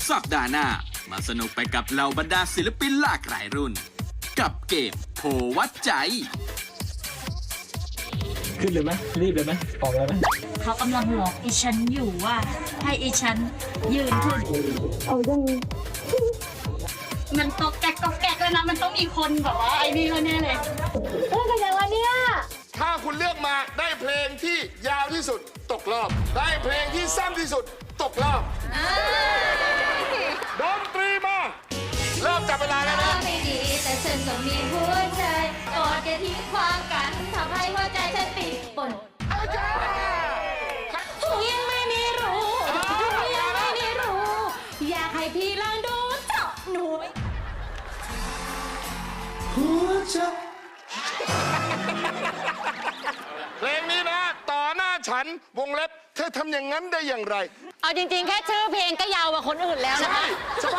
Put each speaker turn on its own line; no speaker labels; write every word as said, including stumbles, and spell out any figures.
สัปดาห์หน้ามาสนุกไปกับเหล่าบรรดาศิลปินหลากหลายรุ่น กับเกมโพวัดใจ
ขึ้นเลยไหมรีบเลยไหมออกเลยไหม
เขากำลังหลอกอีฉันอยู่ว่าให้อีฉันยืนขึ้น
เอายัง
มันตกแกกตกแกกเลยนะมันต้องมีคนแบบว่าไอ้นี่แน่เลย
เรื่องกันยังวะเนี่ย
ถ้าคุณเลือกมาได้เพลงที่ยาวที่สุดตกรอบ ได้เพลงที่สั้นที่สุดตกรอบดนตรีมาเริ่มจับเวลาแล้วนะ
ไม่ดีแต่ฉันก็มีหัวใจกอดอย่าทิ้งควางกันทำให้หัวใจฉันปีป่นยังไม่มีรู้ยังไม่มีรู้ อยากให้พี่ลองดูเจาะหนู
เพลงนี้นะ ต่อหน้าฉันวงเล็บเธอทำอย่างนั้นได้อย่างไร
เอาจริงๆ แค่ชื่อเพลงก็ยาวกว่าคนอื่นแล้วนะคะ
ใช่